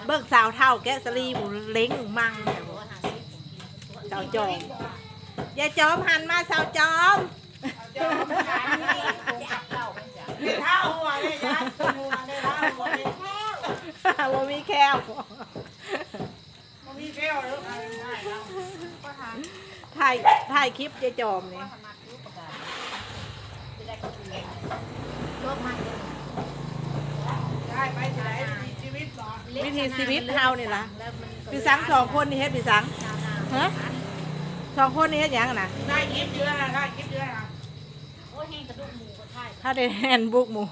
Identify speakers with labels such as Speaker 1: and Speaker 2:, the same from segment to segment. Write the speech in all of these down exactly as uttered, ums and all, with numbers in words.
Speaker 1: เบิกสาวเท่าแกะสลีหมูเล้งมังสาวจอมยายจอมหันมาสาวจอม
Speaker 2: เท้าหัวเลยจ้ะหัวเลยเท้าหัวเลย
Speaker 1: ว่ามีแก้ว
Speaker 2: มันมีแก้วแล้ว
Speaker 1: ถ่ายถ่ายคลิปยายจอมนี่
Speaker 2: ได้ไปจะได้มีชีวิตหรอ
Speaker 1: วิธีชีวิตเฮานี่ล่ะพี่สังสองคนนี่เฮ็ดพี่สังฮะสองคนนี่เฮ็ดหยังนะ
Speaker 2: ได้คลิปเยอะนะได้คลิปเยอะนะ
Speaker 3: โอ้ยแห้งกระดูกหมูก็ใช่
Speaker 1: ถ้าได้แฮนบุกหมู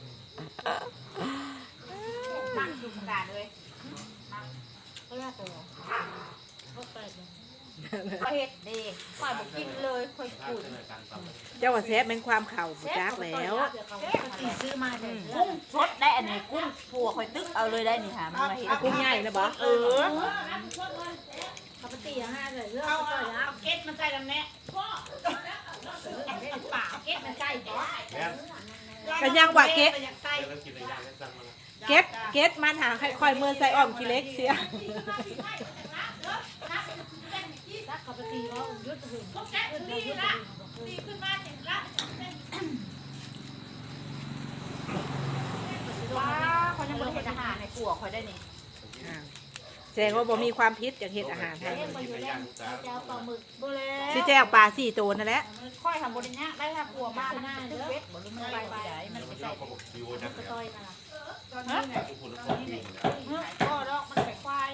Speaker 3: ตั้งดูกระดาษเลยก็ยากตัวก็เปิดเลยไปเห็ดดีค่อยบอกกินเลยค่อยขุด
Speaker 1: เจ้าว่าแซ่บเป็นความเข่าบุจักแล้ว
Speaker 3: ตีซื้อมาเลยกุ้งสดได้อันนี้กุ้งผัวค่อยตึกเอาเลยได้นี่ค่ะมันมาเห็ด
Speaker 1: เอากุ้งใหญ่นะบอเออ
Speaker 3: เขาไปตีห้าเลยเลือก
Speaker 2: เอา
Speaker 3: ก็
Speaker 2: เอา
Speaker 3: แล้ว
Speaker 2: เก็ตมาใส่กันแน่พ่อ
Speaker 3: ปากเก็บมันใกล้ก่อน
Speaker 1: กันยังว่าเก็ต
Speaker 2: อยากใส่
Speaker 1: เก็ตเก็ตมันหาค่อยๆเมื่อใส่อ้อมกิเล็กเสีย
Speaker 3: ถ้าเขาไปตีว่ายุดถึง
Speaker 2: แก๊สดีละดีขึ้นมาเห็นละ
Speaker 3: ว้าเขายังบริเวณอาหารในครัวคอยได้นี่
Speaker 1: แสดงว่าบ่มีความพิษจากเห็ดอาหารไทย
Speaker 3: เล่นไปอยู่เล่นเจ้าปลาหมึกบุเล่
Speaker 1: สิแจ้วปลาสี่ตัวนั่นแหละ
Speaker 3: ค่อยทำบริเนี้ยได้ถ้ากลัวมากนะตึกเวทบริมันไปไปไหนมันไปใส่กระต้อยนั่นแหละฮะก็ดอกมันไข่ควาย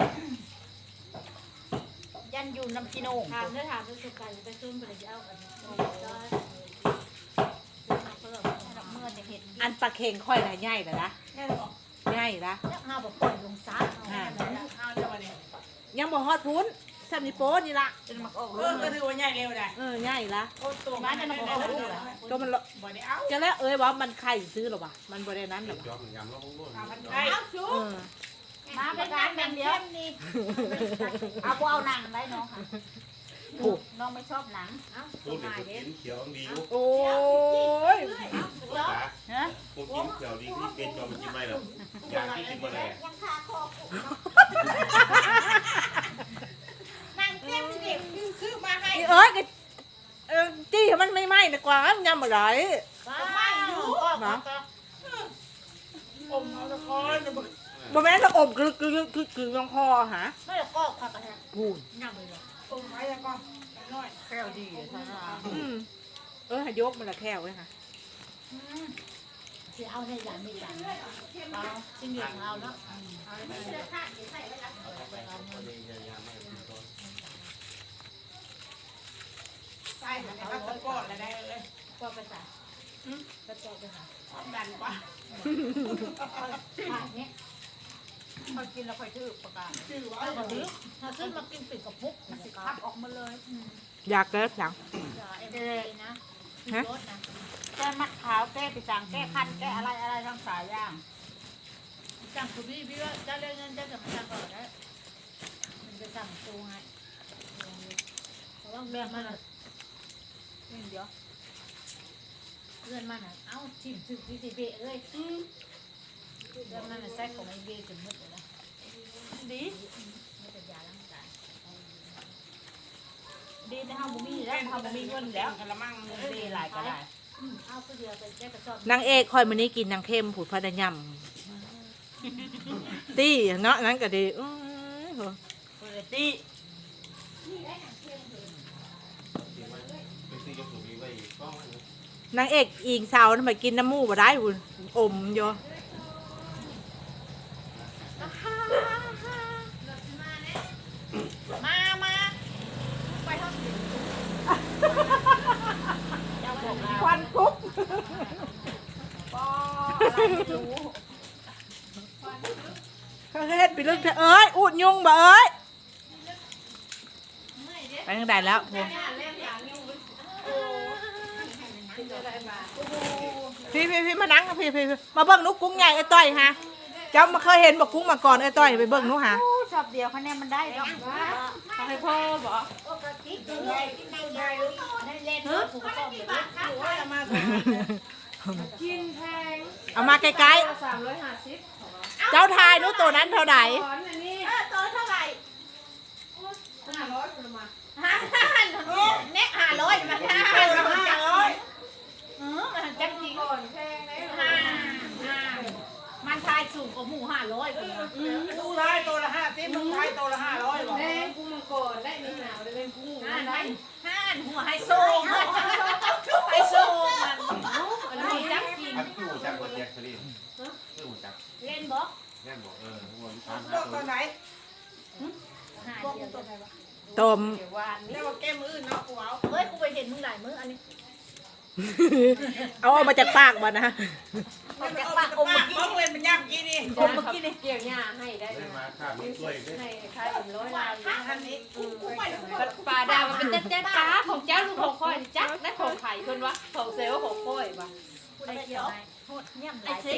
Speaker 3: ยันอยู่น้ำกิโนถามเนื้อถามเรื่องการไปซุ่มไปเลยเอากันเมื่อจะเห็น
Speaker 1: อันปลาเค็งค่อยน่ะใหญ่น่ะนะใหญ่ละ
Speaker 3: เนี่ยห้าบอกปล่อยลงซัด
Speaker 2: เอาจะมาเนี่ย
Speaker 1: ยังบ่ฮอดพุ้นซัมนิโป้นี่ละ
Speaker 3: จนมันออก
Speaker 2: เออก็ถือว่าใหญ่เร็วได้
Speaker 1: เออใหญ่ละ
Speaker 2: โอ้ตัว
Speaker 3: บ้านจะมันออกลูกเหรอ
Speaker 1: ก็มัน
Speaker 2: บ่ได้เอา
Speaker 1: จะแล้วเอ้ยว่ามันไข่ซื้อหรอวะมันบ่ได้นั้นหรอวะ
Speaker 2: ไอ้เอาชู
Speaker 1: เออ
Speaker 3: มาเป็นการแบ่งเดียวนี่เอาเอาหนังได้น้องค่ะน้องไม่ชอบหนังเอ้า
Speaker 4: พูดถึงกินเขียวดีอยู่
Speaker 1: โอ้ย
Speaker 3: ฮะ
Speaker 4: พวกกินเขียวดีที่เป็นจอมกินไม่หรอกอยากที่กินมาแล้ว
Speaker 3: ยังคาคอ
Speaker 2: นั่งเต็มเด็กซื้อมาให้
Speaker 1: อีเอ้ยก็เออจี้ให้มันไม่ไหม้ดีกว่ามันยำอะไร
Speaker 3: ไม่อยู่ก็ก็
Speaker 2: อมเอาตะกอนบ่
Speaker 1: บ่แม่นจะอบคือคือคือคือลองคอหา
Speaker 3: ไม่ก็ค่ะกระแทก
Speaker 1: พูน
Speaker 3: ยังเลย
Speaker 2: อมไว้แล้วก็น้อย
Speaker 3: แก้วดีท่านอ่ะ
Speaker 1: อืมเออให้ยกมันละแค่ไว้ค่ะ
Speaker 3: จะเอาในหลานไม่หลานเอาจริงอย่างเอาเนาะ
Speaker 2: ใส่แล้วก็ตะกอนแล้วได้เลย
Speaker 3: ก็ไปใส่ก็จบไปใส่
Speaker 2: ดันกว่า
Speaker 3: ผ่านนี้พอกินแล้วค่อยถือประกาศ
Speaker 2: ชื่อว่า
Speaker 3: เอาถือถ้าขึ้นมากินปิดกับมุกมันจะคับออกมาเลย
Speaker 1: อยากเกิดหลัง
Speaker 3: เอ็มเลยนะรถนะแก้มัดขาวแก้ปีสังแก้คันแก้อะไรอะไรทั้งสายย่างสั่งคุณพี่พี่ว่าจะเรื่องเงินจะจะมาสั่งก่อนนะมันจะสั่งตูไงเพราะว่าเรื่องมันอ่ะนี่เดี๋ยวเรื่องมันอ่ะเอ้าชิมชิมที่เบะเลยเรื่องมันอ่ะใส่ของไอเบะจนหมดเลยนะดีไม่เป็นยาล้างจานดีนะฮะบุมีแล้วฮะบุมีเงินแล้ว
Speaker 2: กระมัง
Speaker 3: ดีหลายก็ได้เอาตัวเดียวไปแก้กระสอบ
Speaker 1: นางเอกคอยมื้อนี้กินนางเข้มผูดพะดยำตี้เนาะนั้นก็ดีอื้อโห
Speaker 3: เปิดตี
Speaker 1: นางเอกอิงสาวทำไมกินน้ำมูกบ่ได้หุ่นอมอยู่
Speaker 3: มามาไปห้องเจ้าบอกแล้ว
Speaker 1: ควันคุก
Speaker 3: ก็อะไรไม่รู้
Speaker 1: เขาเฮ็ดไปเรื่องเธอเอ้ยอุดยุงบ่เอ้ยไปทางใดแล้วพวงพี่พี่พี่มานั่งพี่พี่พี่มาเบิ่งนุกกุ้งใหญ่ไอ้ต้อยฮะเจ้ามาเคยเห็นบอกกุ้งมาก่อนไอ้ต้อยไปเบิ่งนุกฮะ
Speaker 3: ชอบเดียวคะแนนมันได้ดอกว่า
Speaker 1: ให้พ่อบอก
Speaker 3: ปกติได้ได้ได้ได้เล่นผูกข้อมือ
Speaker 2: ถือว่าจะมา
Speaker 5: กินแพง
Speaker 1: เอามาใกล้
Speaker 5: สามร้อยห้าสิบ
Speaker 1: ๆเจ้าทายนุกตัวนั้นเท่าไหร่
Speaker 5: ร้อนอัน
Speaker 2: ห้าร้อยคุณมา
Speaker 3: ห้าเน็กห้าร้อยมันห้า
Speaker 2: ห้าร้อย
Speaker 3: เออมันจังจริง
Speaker 2: ก่อนแพงเลย
Speaker 3: ห้าห้ามันทายสูงกว่าหมูห้าร้อยเลย
Speaker 2: ดูไทยตัวละห้าสิบมึงไทยตัวละห้าร้อยบอก
Speaker 5: แม่กุ้งมังกรได้มีหนาวได้เป็นกุ้ง
Speaker 3: ห้า
Speaker 5: ได้
Speaker 3: ห้าหัวไฮโซไฮโซมันมันจังจริง
Speaker 4: อันตู้จักรแจ็คสลีนตู้จักร
Speaker 3: เล่นบอก
Speaker 4: แน่นบอกเออหัวลูกค้า
Speaker 2: ตัวตัวไหน
Speaker 3: ห้าเดียว
Speaker 1: ต้ม
Speaker 5: เดี๋ยววาน
Speaker 2: เรียกว่าแก้มือเนาะกูเอา
Speaker 3: เฮ้ยกูไปเห็นมึงหลายมื้ออันนี้
Speaker 1: เอาออกมาจากปากบ่นะ
Speaker 2: ไม่ไปเอาปากอมปากมองเล่นเป็นย่ำกินนี่
Speaker 5: อมเมื่อกี้นี่เกี่ยวหญ้าให้ได้
Speaker 4: ได้มาข้ามีช่วยด้วย
Speaker 5: ให้ใครเป็นร้อยลาว
Speaker 2: ท่านนี้กูไป
Speaker 5: ปลาดาวมันเป็นเจ๊ป้าของเจ้าลูกของค่อยจักได้ของไข่คนวะของเซลล์ของค่อยว่ะ
Speaker 3: กูได้เกี่ยวโทษเงียบหลายเจ๊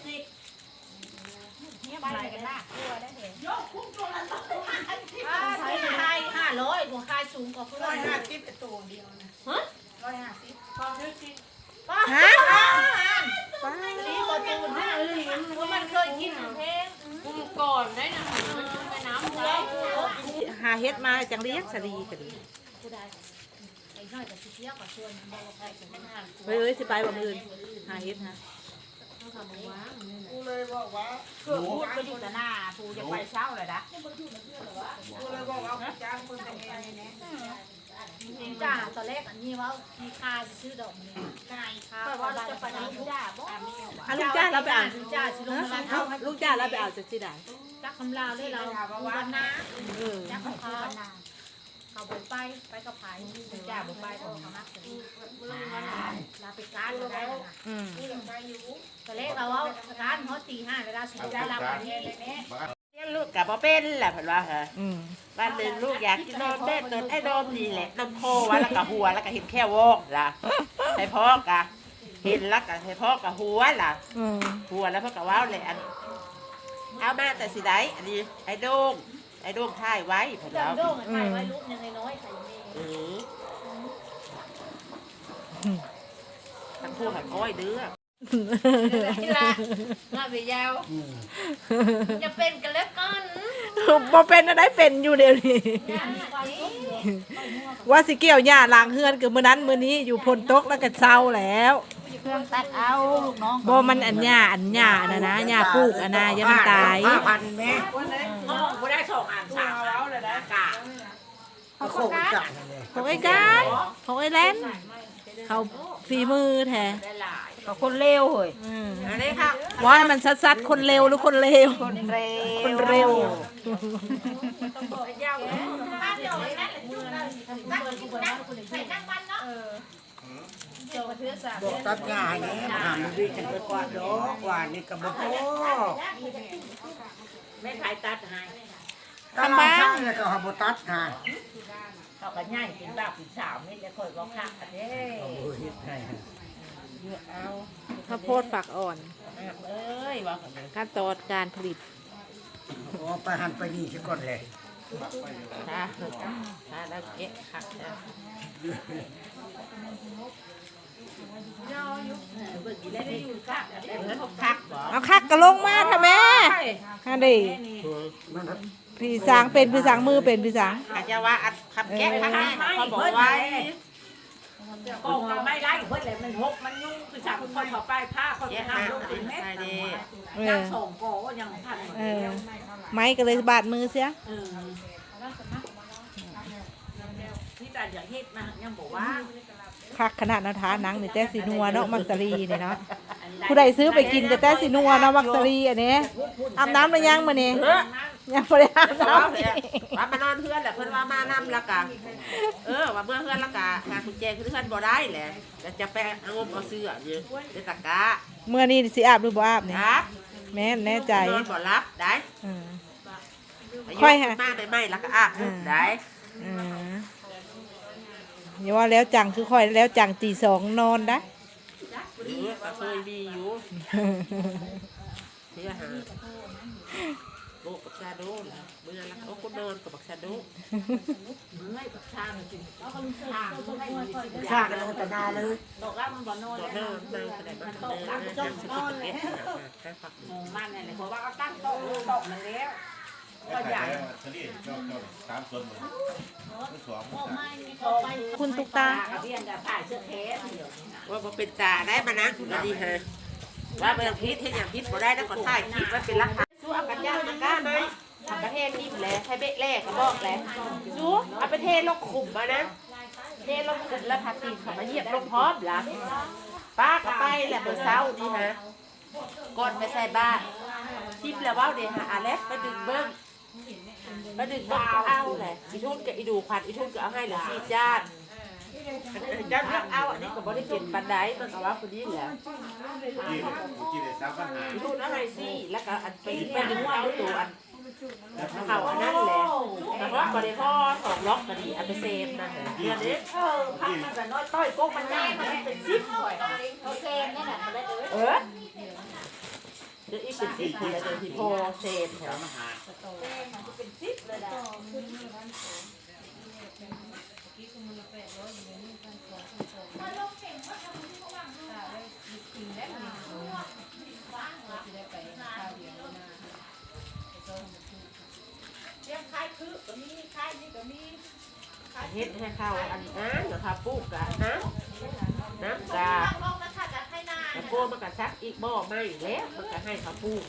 Speaker 3: เงียบหลายกันละกลัวได้เห็น
Speaker 2: ยกคุ้มตัวละร้อย
Speaker 3: ใช้ทายห้าร้อยหัวคายสูงกว่าเพื่อ
Speaker 2: ร้อย
Speaker 3: น
Speaker 2: ห้าสิบตัวเดียวนะร้อยห้าสิบ
Speaker 1: ฮะ
Speaker 3: นี่บอตูนห้าเลยว่ามันเคยกินเพลง
Speaker 5: กุ้งก่อนได้นะมันไปน้ำได้
Speaker 1: หาเฮ็ดมาจังเรียกสลีก็ดี
Speaker 3: กูได้ไอ้น้อยกับสิเที่ยวกับชวนมันบอกว่าใครจะไม่ห้าม
Speaker 1: เฮ้ยเอ้ยสิไปบ่มื้ออื่นหาเฮ็ดฮะ
Speaker 2: กูเลยบอกว่า
Speaker 3: เกือบพูดไปอยู่แต่หน้าปูจะไปเช้าเลยนะ
Speaker 2: กูเลยบอกว่าจ้างคนแต่งงานเนี่ย
Speaker 3: จริงจ้าตอนแรกอันนี้ว่ามีค่าจะซื้อดอกเนี่ยค่าค่าเพราะว่าจะไปไหนจ้าบ่
Speaker 1: อ่ะลูกจ้าเราไปอ่าน
Speaker 3: จ้าสิลงมา
Speaker 1: เอ้าลูกจ้าเราไปอ่านจากที่ใด
Speaker 3: จักคำลาวได้เราวันนะ
Speaker 1: เออ
Speaker 3: จักของเขาเขาไปไปไปกับไผ่จ้าบ่ไปของเขานักเลยลาไปการก็ได้นะ
Speaker 1: อืม
Speaker 3: ตอนแรกเราว่าการเขาตีห้าเวลาสุดได้ลาไปเรียนเลยเนี่ย
Speaker 6: เลี้ยงลูกกับพ่อเป็นแหละเพิ่นว่าฮะ
Speaker 1: อืม
Speaker 6: บ้านหนึ่งลูกอยากกินนมเด็ดนมไอ้นมนี่แหละนมโควะแล้วก็หัวแล้วก็เห็นแค่วอกล่ะให้พ่อกะเห็นแล้วก็ให้พ่อกับหัวล่ะ
Speaker 1: อืม
Speaker 6: หัวแล้วพ่อกับว้าวเลยอันเอามาแต่สิได้อันนี้ไอ้โด่งไอ้โด่งถ่ายไว้เพิ่น
Speaker 3: จำ
Speaker 6: ว่า
Speaker 3: โด่งไทยไว้รูปยังน้อยๆใส่เมย์
Speaker 6: เออทั้งคู่หักอ้อยเด้อ
Speaker 5: นี่ละงาไปยาวจะเป็นกันแล้วกัน
Speaker 1: บ่เป็นอะไรเป็นอยู่เดี๋ยวนี้ ว่าสิเกี่ยวหญ้าล้างเฮือนคือมื้อนั้นมื้อนี้อยู่พนตกแล้วก็เศร้าแล้ว
Speaker 3: เครื่องตัดเอาลูกน้อง
Speaker 1: บ่มันอันหญ้าอันหญ้าน่ะนะหญ้าปลูกอันน่ะอย่ามันตาย
Speaker 6: พันแม่ห้องบ่ได้ส่งอ่านสามแล้วเลยนะกะ
Speaker 2: เขาโคกจัดเลย
Speaker 1: ของไอ้การของไอ้แลนเขาฝีมือแท้
Speaker 6: ได้หลาย
Speaker 3: กับคนเร็วเฮ้ย
Speaker 1: อืม
Speaker 6: อันนี้ค่ะ
Speaker 1: ว่าให้มันซัดๆคนเร็วหรือคนเร็ว
Speaker 6: คนเร็ว
Speaker 1: คนเร็ว
Speaker 2: บอกตัดงานเนี่ยหาไม่ได้กันไปกว่าดอกว่านี่กับบอก
Speaker 6: แม่ขายตัดให้
Speaker 2: ตลาดช่างเลยก็หาบตัดงาน
Speaker 6: เขาก็ง่ายเป็นบ่าวเป็นสาวนี่จะคอยบอกคักกันเด้
Speaker 2: โอ้ยใช่
Speaker 6: เยอะเอา
Speaker 1: ข้าวโพดฝักอ่อน
Speaker 6: เอ้ยว่ากันเลย
Speaker 1: ขั้นตอนการผลิต
Speaker 2: โอ้ไปหันไปนี่สิก่อนเลย
Speaker 6: ถ้าถ้าแล้วเก็บคักแล้วเบิ่งอีแล้วได้อยู่คักได้เงินคักบ่
Speaker 1: เอาคักกระลงมาทำแม่ฮะดิพี่สางเป็นพี่สางมือเป็นพี่สาง
Speaker 6: อาจจะว่าอัดคำแก้คักแน่เขาบอกไว้
Speaker 7: กองเราไม่ได้เพื่อนเลยมันหกมันยุ่งคือจากคนเขาไปผ้าเขา
Speaker 6: เจ๊
Speaker 7: จะ
Speaker 6: หา
Speaker 7: ทำลูกเป็นเม็ด
Speaker 6: ใช่ดิ
Speaker 1: เอ
Speaker 7: ยั
Speaker 1: อง
Speaker 7: ส่งโกยังทัน
Speaker 1: เออไม้ก็เลยบาดมือเสีย
Speaker 7: เออที่แต่อย่างเฮ็ดมายังบอกว่า
Speaker 1: คักขนาดนาทาหนังนี่แต่สีนัวเนาะมักสรีนี่เนาะผู้ใดซื้อไปกินก็แต่สีนัวเนาะมักสรีอันนี้อาบน้ำหรือยังมื้อนี้ยังบ่ได้อาบ
Speaker 6: ว่า
Speaker 1: น้ำนี่
Speaker 6: ว่ามานอนเพื่อนแหละเพิ่นว่ามานำแล้วกะเออว่าเมื่อเพื่อนแล้วกะหากุญแจคือเพื่อนบ่ได้แหละแต่จะไปเอางมเอาเสื้ออยู่ในตะกร้า
Speaker 1: เมื่อนี้สิอาบหรือบ่อาบนี่
Speaker 6: ครับ
Speaker 1: แม่นแน่ใจ
Speaker 6: นอนบ่รับได้
Speaker 1: อืม
Speaker 6: อา
Speaker 1: ค่อยหา
Speaker 6: มาไม่ไม่แล้วก็อาบได้
Speaker 1: อืมอย่าว่าแล้วจังคือค่อยแล้วจังตีสองนอนได้
Speaker 6: หรือก็เคยมีอยู่เสื้อหาโบกกับชาโดนเมื่อแล้วก็นอนกับบักชาโด
Speaker 7: ไม่กับชามันจริง
Speaker 2: ชากันเลยแต่นาเลย
Speaker 7: บอกว่ามันบ่นอน
Speaker 6: ตัว
Speaker 7: แล้ว
Speaker 6: เนินนั่งแสดงว่าเนินนั่งสกิปเก็ตแค่ฝัก
Speaker 7: งงมันเนี่ยเพราะว่าเขาตั้งโต๊ะโต๊ะมันแล้ว
Speaker 4: ก็ใหญ่ทะเลเจ้าเจ้าสามส่วนหมดทั้งสอง
Speaker 1: คุณตุ๊กตา
Speaker 7: เรียนกับผ่าเสื้อแขนเดี๋ยว
Speaker 6: ว่าบ่เป็นจ่าได้มานะคุณดีฮะว่าเป็นพิษเฮ็ดอย่างพิษบ่ได้แล้วก็ถ่ายคลิปไว้เป็นหลักฐานสู้เอากันย่างมันกล้าไหมทำประเทศนิ่มแหละให้เบะแรกก็บอกแหละสู้เอาไปเทลงขุมมานะเทลงขุมแล้วพาตีนเขามาเหยียบลงพร้อมล่ะป้าก็ไปแหละเมื่อเช้านี่ฮะก่อนไปใส่บ้านทิปแล้วว่าเดี๋ยวหาอาเล็กไปดึงเบิ้งไปดึงเบิ้งก็เอาแหละอีทุ่นกับอีดูควันอีทุ่นก็เอาให้เหลือสี่จานจานเลือกเอาอันนี้ก็บ่ได้เปลี่ยนบันไดมันก็ว่าคนนี้แหละ
Speaker 4: กินกินได้สามปัญหา
Speaker 6: อีทุ่นเอาให้สี่แล้วก็อันไปไปดึงเอาตัวอันเขาอันนั้นแหละแต่ว่าบ่ได้พ่อสองล็อกก็ดีอันไปเซฟนั่นแหละเดือนนี้
Speaker 7: เออพักมันจะน้อยต้อยโก้มันง่ายมันเป็นซิปหน่อย
Speaker 3: โอเคนั่นแหละได้เลย
Speaker 6: เออเดี๋ยวอีกเป็นสิบคนแล้วเดี๋ยวที่โพเซฟแถว
Speaker 4: ปัญหา
Speaker 7: เป็นซิปเลยนะ
Speaker 6: เฮ็ดให้เข้าอันน้ำนะคะปลูกกะน้ำน้ำกะแล้วพวกมันก็ซักอีกบ่อไม่แล้วมันก็ให้เขาปลูก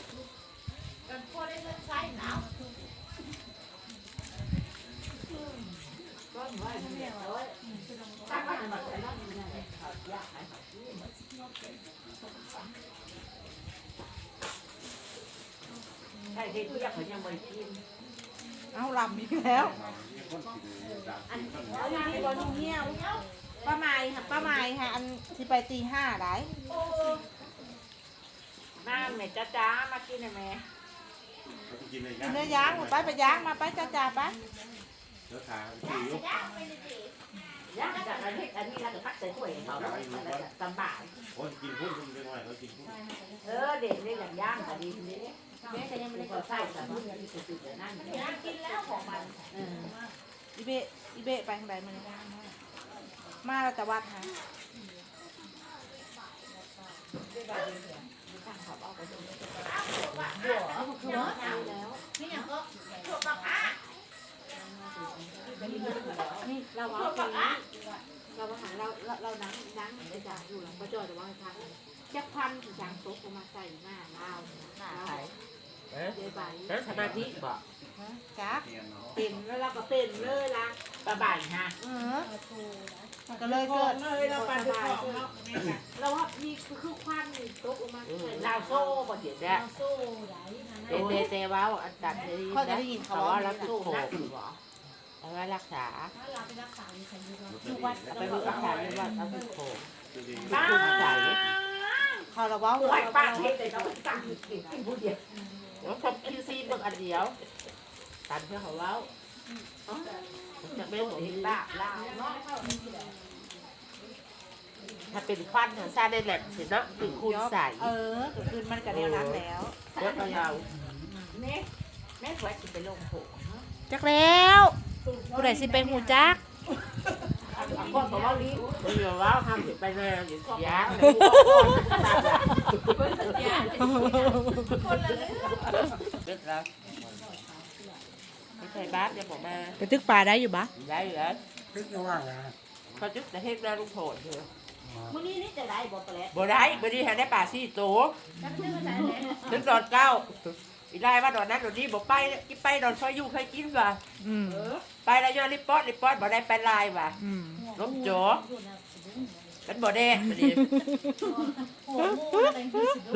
Speaker 6: ใช่เฮ็ดทุกอย่างเขายังไม่กิน
Speaker 1: เอาลำอีกแล้ว
Speaker 4: อัน
Speaker 1: เอาอย่างนี้บอลเงี้ยวป้าไม้ค่ะป้าไม้ค่ะอันที่ไปตีห้าได้
Speaker 7: น้ำเนี่ยจ้าจ้ามากินหน่อยไหม
Speaker 4: กินเลย
Speaker 1: กินเนื้อย่างไปไปย่างมาไปจ้าจ้าไป
Speaker 4: เดี๋ยวขาตีอยู่
Speaker 7: ย่างจากอันนี้อันนี้เราจะพักใส่ถ้วยเขาแล้วตำบ่าย
Speaker 4: คนกินพุ่นคุณเป็นไงเขากินพุ่น
Speaker 7: เออเด็กเนี่ยอย่างย่างก็ดีทีนี้แม่ก็ยังไม่ได้ก็ใส่แต่ว่าที่สุดๆนั่นย่างกินแล้วของมัน
Speaker 1: อีเบะอีเบะไปทางใดมาเนี่ยมาเราจะวัดฮะ
Speaker 3: นี่อย่างก็ถูกปะคะ
Speaker 5: นี่เราว่าปีนี้เราว่าหาเราเราเรานังนังเหมือนได้จ่ายอยู่หลังประจอยแต่ว่าทางแจ็คพันถึงจางโต๊ะมาใส่หน้าเราหน้าใส่
Speaker 6: เอ๊ะ
Speaker 5: เดี๋ยวใบ
Speaker 6: นั่นสมาธิบ่
Speaker 1: จ้า
Speaker 5: เป็นแล้วเราก็เป็นเลยละ
Speaker 7: ตะบ่ายฮะ
Speaker 1: เออก็เลยเกิด
Speaker 7: เลยเราปันด้วยของเนาะ
Speaker 5: เราว่ามีคือควันโต๊ะมาใส่
Speaker 7: เราโซ่บ่เดี๋ยว
Speaker 6: เนี่ยเตเตเตว้าวอันตัดเลย
Speaker 1: เขาจะได้ยินเขา
Speaker 6: เขา
Speaker 1: ว่า
Speaker 6: ว่า
Speaker 1: เรา
Speaker 6: เรา
Speaker 1: ติ
Speaker 6: ติ
Speaker 1: ด
Speaker 6: ด
Speaker 1: โค
Speaker 6: โค
Speaker 1: วิด
Speaker 6: วิดเอาไว้รักษา
Speaker 1: ทุกวัน
Speaker 6: เอาไปดูรักษาในวัดเอาติดโควิด
Speaker 7: ป้า
Speaker 6: คือมาใส่
Speaker 1: เขาเราว่า
Speaker 7: ป่วยป้าเฮ็ดแต่เราตั้งกินกินผู้เดียว
Speaker 6: แล้วผมคิวซีเบิ่งอันเดียวตัดเพื่อเขาเว้าจะไม่หมดที่บ้า
Speaker 7: ลาวเนาะ
Speaker 6: ถ้าเป็นควันของซาได้แหลมสิเนาะคือคูณใส่
Speaker 1: เออก็คือมันกระเดียวนั้นแล้ว
Speaker 6: เยอะเรา
Speaker 7: แม่แม่สวยสิไปลงโผ
Speaker 1: จักแล้วผู้ใดสิเป็นหูจัก
Speaker 7: คนบอกว่าลิ้ว
Speaker 6: ไม่ยอมว่าทำอยู่ไปนานอยู่ยากเด็กแล้วไม่ใช่บ้านจะบอกมา
Speaker 1: ไปตึกป่าได้อยู่ปะ
Speaker 6: ได้อยู่แล้ว
Speaker 2: นึกว่าไง
Speaker 6: เขาจุดแต่เฮ็ดหน้าลุงโผล่เถอะ
Speaker 7: มื้อนี้นี่จะได้บ่ปลา
Speaker 6: บ่ได้บ่ได้หาได้ป่าซี่โต
Speaker 3: จักชื่อภาษาไหน
Speaker 6: ถึงดอนเก้าอีได้ว่าดอนนั้นดอนนี้บ่ไปกินไปดอนซอยอยู่เคยกินว่ะ
Speaker 1: อืม
Speaker 6: ไปแล้วย้อนริปป๊อดริปป๊อดบ่ได้ไปลายว่ะ
Speaker 1: อืม
Speaker 6: ลบจ๋อเป็นบ่แดงพอดี
Speaker 3: หัวงูอะไรคือสิ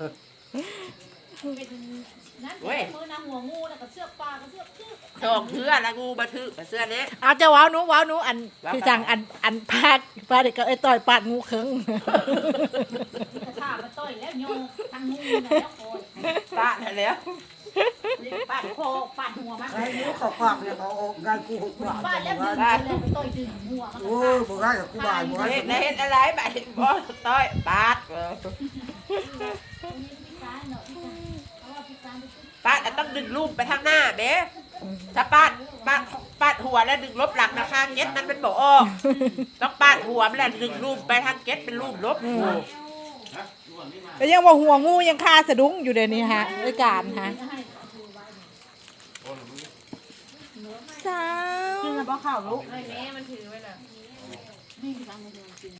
Speaker 3: เป็นนั่นมือนะหัวงูแล้วก็เชือกปลาก็เชือกชือก
Speaker 6: ทองเทื่อละงูมาถือมาเสื้อนี้
Speaker 1: เอาเจ้าว้าวหนูว้าวหนูอันคือจังอันอันพาดพาดเด็กก็ไอ้ต่อยปาดงูเคิง
Speaker 3: กระชากมาต่อยแล้วโยงทางงูแล้วโอย
Speaker 6: ปะแล้ว
Speaker 3: ปาดโคปาดหัวมัน
Speaker 2: ใครรู้เขาปากเนี่ยเขาเอางานกูหกบาท
Speaker 3: ปาดแล้วดึงเลยต่อยดึงหัวมัน
Speaker 2: โอ้ยบ่ได้กับกูบาทบ่ได้
Speaker 6: เฮ็ดเฮ็ดอะไรบาดบ่ต้อยปาด ปาดต้องดึงรูปไปทางหน้าเบ๊ถ้าปาดปาดปาดหัวแล้วดึงลบหลังนะข้างเก็ตมันเป็นบ่ออกต้องปาดหัวมันแล้วดึงรูปไปทางเก็ตเป็นรูปลบ
Speaker 1: แล้วยังว่าหัวงูยังคาสะดุ้งอยู่เดี๋ยวนี้ฮะด้วยการฮะสาว
Speaker 3: กินแล้วบ่ข้าวลูก
Speaker 6: แม่มันถือไว้เลย
Speaker 3: นี่คือทางเมืองกิน